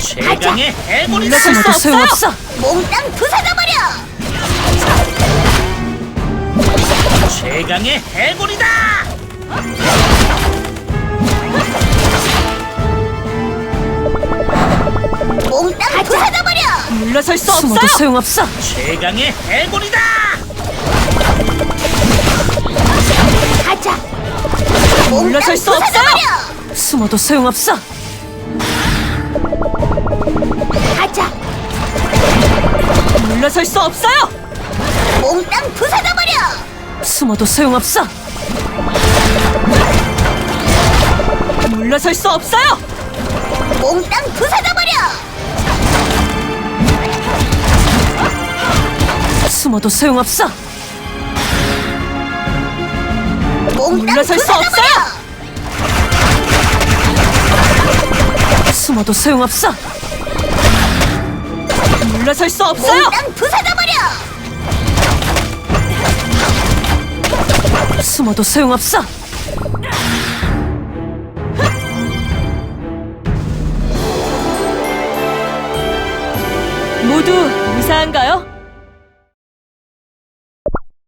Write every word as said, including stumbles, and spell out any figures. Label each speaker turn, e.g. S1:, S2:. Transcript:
S1: 최강의 해골이다.
S2: 물러설 수 소용없어.
S3: 몽땅 부숴져버려!
S1: 최강의 해골이다.
S3: 몽땅 부숴져버려!
S2: 물러설 수 없어요. 소용없어.
S1: 최강의 해골이다.
S3: 가자!
S2: 물러설 수
S3: 몽땅
S2: 없어요.
S3: 부숴져버려!
S2: 숨어도 소용없어.
S3: 가자!
S2: 물러설 수 없어요.
S3: 몽땅 부숴져버려!
S2: 숨어도 소용없어. 물러설 수 없어요.
S3: 몽땅 부숴져버려!
S2: 숨어도 소용없어.
S3: 몽땅
S2: 물러설 수
S3: 부숴져버려!
S2: 숨어도 소용없어. 물러설 수 없어요.
S3: 몽땅 부숴져버려!
S2: 숨어도 소용없어. 모두 무사한가요?